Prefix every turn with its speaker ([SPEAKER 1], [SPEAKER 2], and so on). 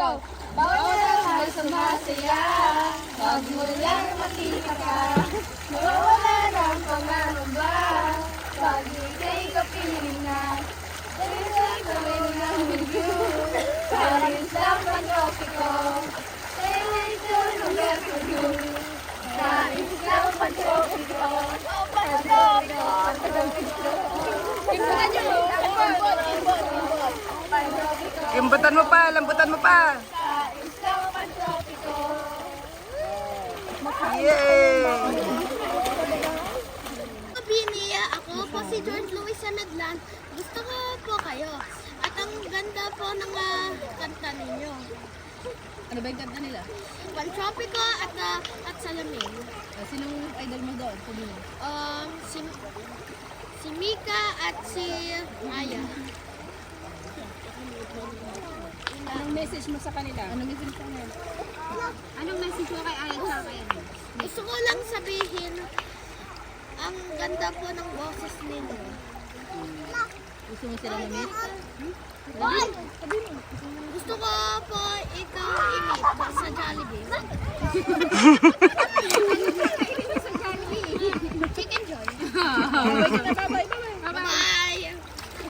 [SPEAKER 1] Bawal sumasaya, wag mo lang makita ka. Nawawala ng pangangamba, pag ika'y kapiling na. Dahil sa gawin ng video, Paris lang pantropiko. Dahil ito lugar ko yun, Paris lang pantropiko. Pantropiko, pantropiko. Imbutan nyo,
[SPEAKER 2] Lambutan mo pa, lambutan mo pa.
[SPEAKER 1] Paris lang pantropiko.
[SPEAKER 2] Yay!
[SPEAKER 3] Bini, ako po si George Louis Sanadlan. Gusto ko po kayo. At ang ganda po ng kanta ninyo.
[SPEAKER 4] Ano ba yung kanta nila?
[SPEAKER 3] Pantropico at Salamin.
[SPEAKER 4] Sinong idol mo doon?
[SPEAKER 3] Si Mika at si Aya.
[SPEAKER 4] Anong message mo sa kanila? Anong message mo sa kanila? Anong message mo kay Aya sa kay ano?
[SPEAKER 3] Gusto ko lang sabihin, ang ganda po ng boses ninyo.
[SPEAKER 4] Gusto mo sila na-meet?
[SPEAKER 3] Gusto ko po ikaw i-meet sa Jollibee.